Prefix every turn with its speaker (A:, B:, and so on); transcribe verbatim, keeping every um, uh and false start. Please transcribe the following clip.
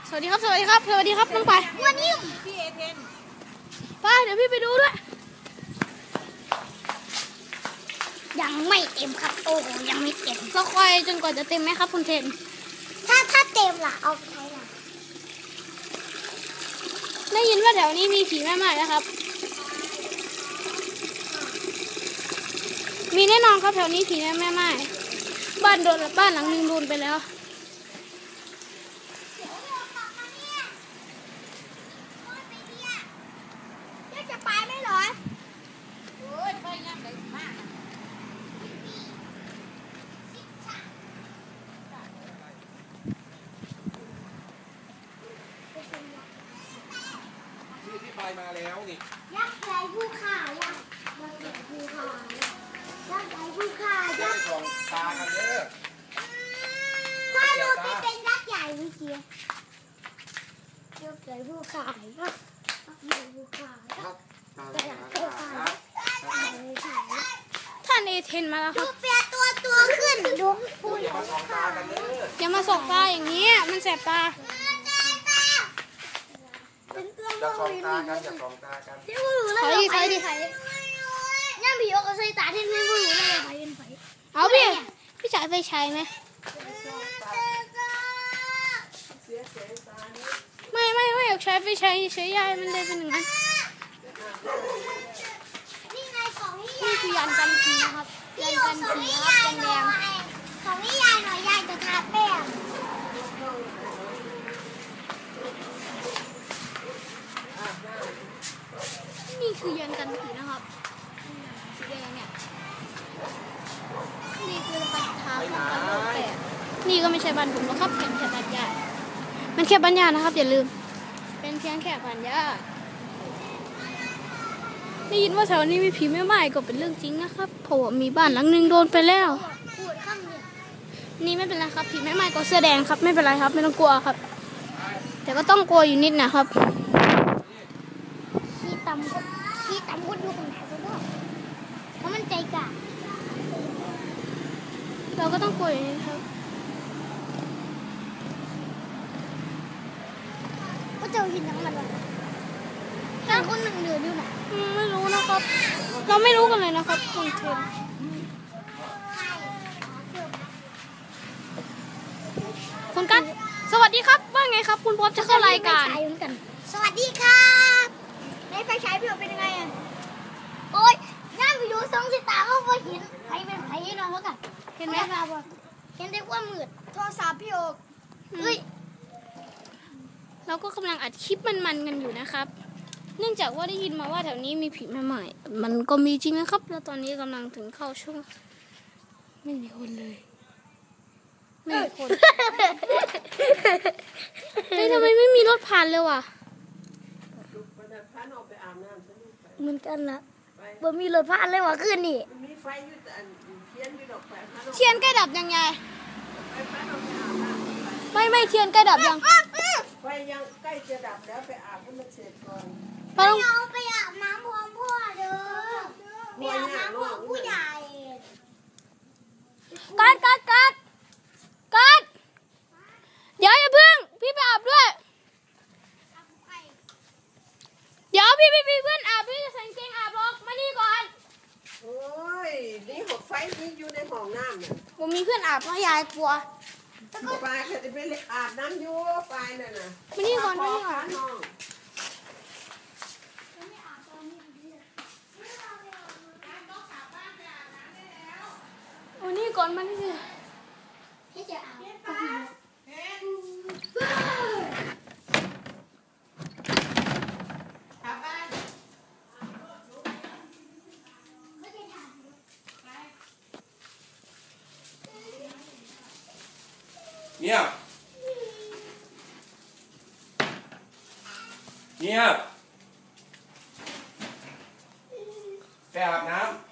A: สวัสดีครับสวัสดีครับสวัสดีครับน้องไปวันนี้พี่เอเทนป้าเดี๋ยวพี่ไปดูด้วย
B: ยังไม่เต็มครับโอ้โหยังไม่เต็ม
A: ก็คอยจนกว่าจะเต็มไหมครับคุณเทน
B: ถ้าถ้าเต็มล่ะเอาใช้ล่ะ
A: ได้ยินว่าแถวนี้มีผีแม่ไม้นะครับมีแน่นอนครับแถวนี้ผีแม่ไม้บ้านโดนบ้านหลังนึงโดนไปแล้ว
B: จะไปไม่หรอโอ้ยไปยังไงมาก
C: ที่ที่ไปมาแล้วนี่
B: ยักษ์ใหญ่ผู้ข่ายักษ์ยักษ์ใหญ่ผู้ข่ายักษ์ใหญ่ผู้ข่ายักษ์
C: ส่องตากันเด้อ
B: ถ้าเราไปเป็นยักษ์ใหญ่เมื่อกี้ยักษ์ใหญ่ผู้ข่ายักษ์ใหญ่ผู้ข่ายักษ์
A: ท่านเอเทนมาแล้วค
B: ดู
A: รับ
B: เปียตัวตัวขึ้นดูพูด
C: อย่ามาส่องตากันเด้อ
A: อย่ามาสกตาอย่างนี้มันแสบตา
C: อย่าส่องตากันอย่าส่องตากัน
B: ที่พูดรู้เลยใครดิใครย่าผีเอากระใส่ตาที่ไม่พูดรู้เลยใครเป็นใคร
A: เอาพี่พี่จ่ายไฟใช้ไหมไม่ไม่ไม่อยากใช้ไฟใช้ใช้ยายมันเลยเป็นอย่างนั้นนี่คือยานกันผีนะครับยานกันผีครับแดง
B: ๆของนี่ยายหน่อยยายจะทาแป้ง
A: นี่คือยานกันผีนะครับสีแดงเนี่ยนี่คือปัญหาของการโลกแตกนี่ก็ไม่ใช่บ้านผมหรอกครับเป็นแค่บ้านญาติมันแค่บ้านญาตินะครับอย่าลืมเป็นเพียงแค่บ้านญาติได้ยินว่าแถวนี้มีผีแม่ไม้ก็เป็นเรื่องจริงนะครับเพราะว่ามีบ้านหลังนึงโดนไปแล้วนี่ไม่เป็นไรครับผีแม่ไม้ก็เสื้อแดงครับไม่เป็นไรครับไม่ต้องกลัวครับแต่ก็ต้องกลัวอยู่นิดนะครับ
B: ขี้ตำขี้ตำก็ดูคนไหนก็ได้เพราะมันใจกล้า
A: เราก็ต้องกลัวอยู่นิดครับ
B: ก็เจอหินทั้งมันเลยถ้าคนหนึ่งเดือดอยู่ไหน
A: ไม่รู้นะครับเราไม่รู้กันเลยนะครับคุณเทนคุณกั๊กสวัสดีครับว่าไงครับคุณพบจะเข้ารายการ
B: สวัสดีครับในไฟฉายพี่เป็นยังไงอ่ะโอ๊ยนั่งไปดูสองสิตาเขาไปเห็นใครเป็นใครนอนแล้วกันเห็นไหมครับเห็นได้ว่ามืดโทรศัพท์พี่โอ๊กเฮ้ย
A: เราก็กำลังอัดคลิปมันๆกันอยู่นะครับเนื่องจากว่าได้ยินมาว่าแถวนี้มีผีแม่ไม้มันก็มีจริงนะครับแล้วตอนนี้กำลังถึงเข้าช่วงไม่มีคนเลยไม่มีคนเฮ้ยทำไมไม่มีรถผ่านเลยว่ะ
B: เหมือนกันละบ่มีรถผ่านเลยว่ะคืนนี่
A: เทียนใกล้ดับยังไงไม่ไม่เทียนใกล้ดับยัง
D: ไฟยังใกล้จะดับแล้วไปอาบให้มันเสร็จก่อน
B: ไปเอาไปอาบน้ำพร้อมพ่อเด้อไปอาบน้ำพร้อมผู้ใหญ่
A: กัดกัดกัดกัดเดี๋ยวอย่าเพิ่งพี่ไปอาบด้วยเดี๋ยวพี่พี่พี่เพื่อนอาบพี่จะใส่เกงอาบหรอกมานี่ก่อน
D: โอ้ยนี่หกไฟนี่อยู่ในห้องน้ำเนี่ย
A: ผมมีเพื่อนอาบเพราะยายกลัว
D: ปลาเขาจะไปอาบน้ำอยู่ปลาเนี่ยนะ
A: มานี่ก่อนมานี่ก่อนมานี่ก่อนมานี่
B: ที่จะอาบ
C: เงียบเงียบไปอาบน้ำ